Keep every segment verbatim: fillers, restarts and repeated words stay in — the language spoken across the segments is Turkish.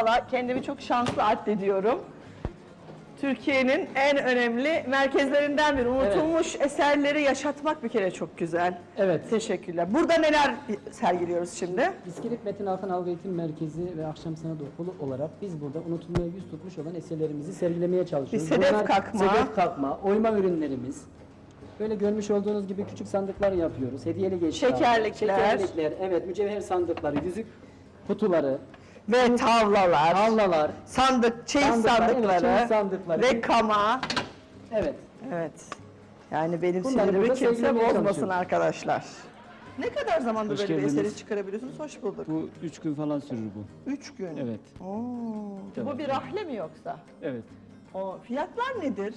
Valla kendimi çok şanslı addediyorum. Türkiye'nin en önemli merkezlerinden biri. Unutulmuş evet. eserleri yaşatmak bir kere çok güzel. Evet. Teşekkürler. Burada neler sergiliyoruz şimdi? İskilip Metin Alkan Algı Eğitim Merkezi ve Akşam Sanat Okulu olarak biz burada unutulmaya yüz tutmuş olan eserlerimizi sergilemeye çalışıyoruz. Bir sedef Bunlar kakma. Sedef kakma, oyma ürünlerimiz. Böyle görmüş olduğunuz gibi küçük sandıklar yapıyoruz. Hediyeli geçler. Şekerlikler. Şekerlikler, evet, mücevher sandıkları, yüzük kutuları. Ve tavlalar, Tavlalar, sandık, çeyiz sandıklar, sandıkları, evet, çeyiz sandıkları ve kama. Evet. Evet. Yani benim Bunları sinirimi burada kimse sergilemeye bozmasın çalışıyoruz. arkadaşlar. Ne kadar zamandır Hoş böyle bir geldiniz. eseri çıkarabiliyorsunuz? Hoş bulduk. Bu üç gün falan sürür bu. Üç gün. Evet. Oo. Bu Evet. bir rahle mi yoksa? Evet. O fiyatlar nedir?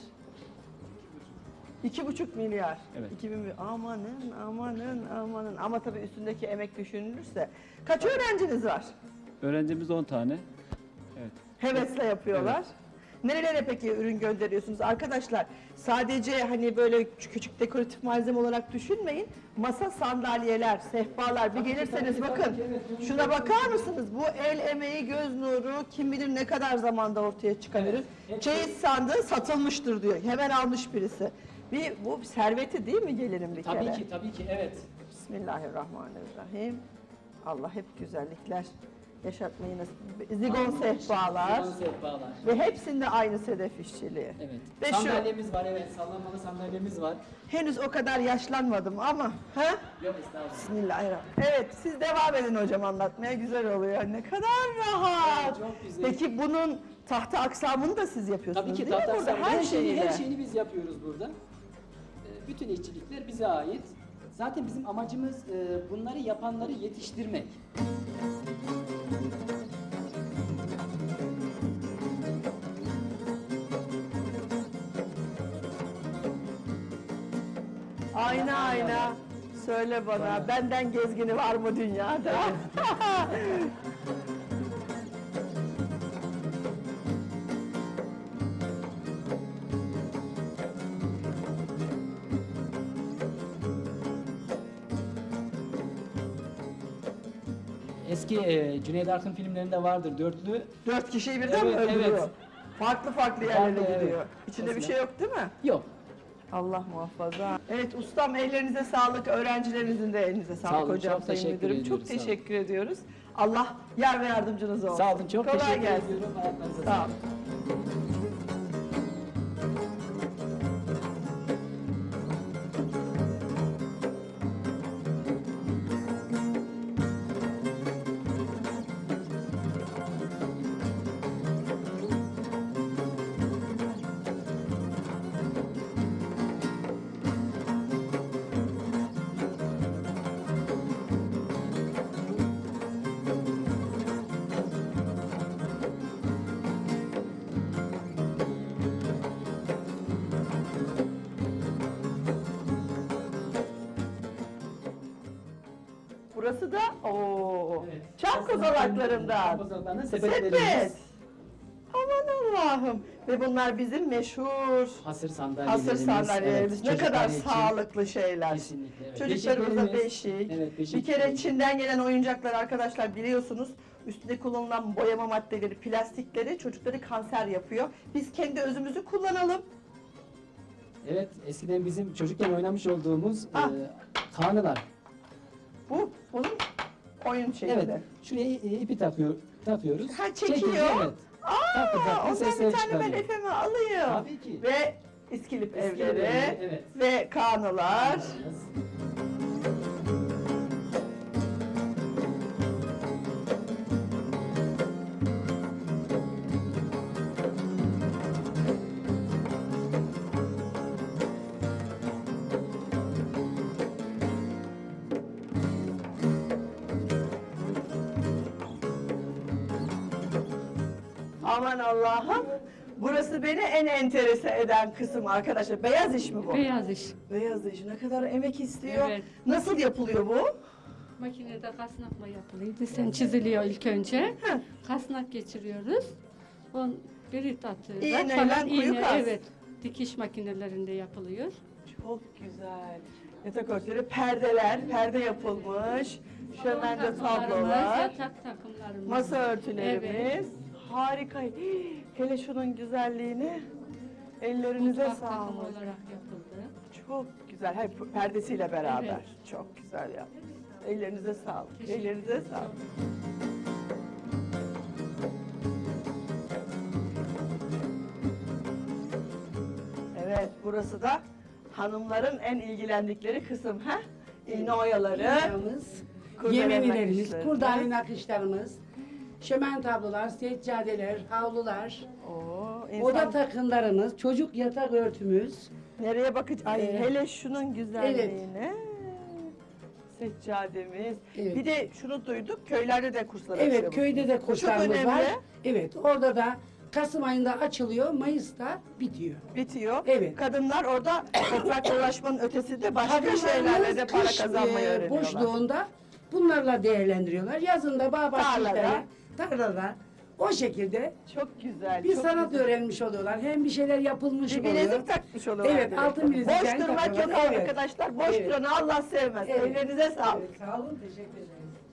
İki buçuk milyar. Evet. İki bin, amanın, amanın, amanın. Ama tabii üstündeki emek düşünülürse. Kaç öğrenciniz var? Öğrencimiz on tane. Evet. Hevesle yapıyorlar. Evet. Nerelere peki ürün gönderiyorsunuz? Arkadaşlar sadece hani böyle küçük dekoratif malzeme olarak düşünmeyin. Masa, sandalyeler, sehpalar bir gelirseniz bakın. Şuna bakar mısınız? Bu el emeği, göz nuru kim bilir ne kadar zamanda ortaya çıkabilir. Evet. Çeyiz sandığı satılmıştır diyor. Hemen almış birisi. Bir, bu serveti değil mi gelirim bir Tabii kere? ki, tabii ki, evet. Bismillahirrahmanirrahim. Allah hep güzellikler yaşatmayı nasip. Zigon sehpalar. Zigon sehpalar. Ve hepsinde aynı sedef işçiliği. Evet. Ve şu, Sandalyemiz var, evet. Sallanmalı sandalyemiz var. henüz o kadar yaşlanmadım ama. Ha? Yok, estağfurullah. Bismillahirrahmanirrahim. Evet, siz devam edin hocam anlatmaya, güzel oluyor. Ne kadar rahat. Evet, çok güzel. Peki bunun tahta aksamını da siz yapıyorsunuz Tabii ki değil mi tahta burada? aksamı, Her, her şeyi, şeyiyle. her şeyini biz yapıyoruz burada. Ee, Bütün işçilikler bize ait. Zaten bizim amacımız e, bunları yapanları yetiştirmek. Ayna ayna. Söyle bana, Bana. benden gezgini var mı dünyada? Eski e, Cüneyt Arkın filmlerinde vardır dörtlü. Dört kişiyi birden mi Evet, öldürüyor? evet. Farklı farklı yerlere Farklı, evet. gidiyor. İçinde bir Mesela. şey yok değil mi? Yok. Allah muhafaza. Evet ustam, ellerinize sağlık, öğrencilerinizin de elinize sağlık Sağ olun, hocam, çok sayın teşekkür müdürüm. ediyoruz, Çok sağ olun. teşekkür ediyoruz. Allah yar ve yardımcınız olsun. Sağ olun, çok Kolay teşekkür gelsin. ediyorum. Ayaklarınıza Sağ olun. sağlık. Burası da ooo Evet. çam kozalaklarından. Çam kozalaklarından Sepet. sepetlerimiz. Aman Allah'ım. Ve bunlar bizim meşhur Hasır sandalyelerimiz. hasır sandalyelerimiz. evet, ne kadar çocuklar için. sağlıklı şeyler. Kesinlikle, evet. Çocuklarımıza Beşiklerimiz- beşik. Evet, beşik. Bir kere Çin'den gelen oyuncaklar arkadaşlar biliyorsunuz. Üstünde kullanılan boyama maddeleri, plastikleri çocukları kanser yapıyor. Biz kendi özümüzü kullanalım. Evet, eskiden bizim çocukken oynamış olduğumuz Ah. e, kanılar. Bu bunun oyun şeyi Evet, de. şuraya i- ipi takıyor, takıyoruz. Ha, çekiyor. Çekiyor, evet. Aa, Takı takı ondan sesler bir tane ben çıkarıyor. efeme alayım. Tabii ki. Ve İskilip İskilip evleri evleri, evet. ve kanılar. Aman Allah'ım. Burası beni en enterese eden kısım arkadaşlar. Beyaz iş mi bu? Beyaz iş. Beyaz iş. Ne kadar emek istiyor. Evet. Nasıl yapılıyor bu? Makinede kasnakla yapılıyor. Desen çiziliyor ilk önce. Heh. Kasnak geçiriyoruz. On birit atıyorlar. İğneyle falan. kuyu İğne, kas. evet. Dikiş makinelerinde yapılıyor. Çok güzel. Yatak örtüleri, perdeler, perde yapılmış. Şömende Takımlarımız, tablolar, yatak takımlarımız. masa örtülerimiz. Evet. harika. Hii, hele şunun güzelliğini. Ellerinize Mutfak takımı sağlık. olarak yapıldı. Çok güzel. Hayır, perdesiyle beraber. Evet. Çok güzel ya. Ellerinize sağlık. Ellerinize sağlık. Evet, burası da hanımların en ilgilendikleri kısım, ha? İğne oyaları, Yağımız, kurdele yemevilerimiz, nakışları. kurdale nakışlarımız, şömen tablolar, seccadeler, havlular, Oo, insan oda takımlarımız, çocuk yatak örtümüz. nereye bakacak? Ay Ee, hele şunun güzelliğine. Seccademiz. Evet. Bir de şunu duyduk, köylerde de kurslar açıyor Evet, bu. köyde de Bu kurslarımız çok önemli. var. Evet, orada da Kasım ayında açılıyor, Mayıs'ta bitiyor. Bitiyor. Evet. Kadınlar orada toprakla uğraşmanın ötesinde başka Kadınlarımız şeylerle de para kış, kazanmayı e, öğreniyorlar. boşluğunda bunlarla değerlendiriyorlar. Yazında bağ Tarlada. bahçeleri, tarlada. O şekilde Çok güzel. bir çok sanat güzel. öğrenmiş oluyorlar. Hem bir şeyler yapılmış Bir oluyor. bilezik takmış oluyorlar. Evet, direkt. altın bilezik Boş yani durmak yok takıyorlar. Evet. arkadaşlar. Boş Evet. duranı Allah sevmez. Evet. Ellerinize sağlık. Evet, sağ olun, teşekkür ederiz.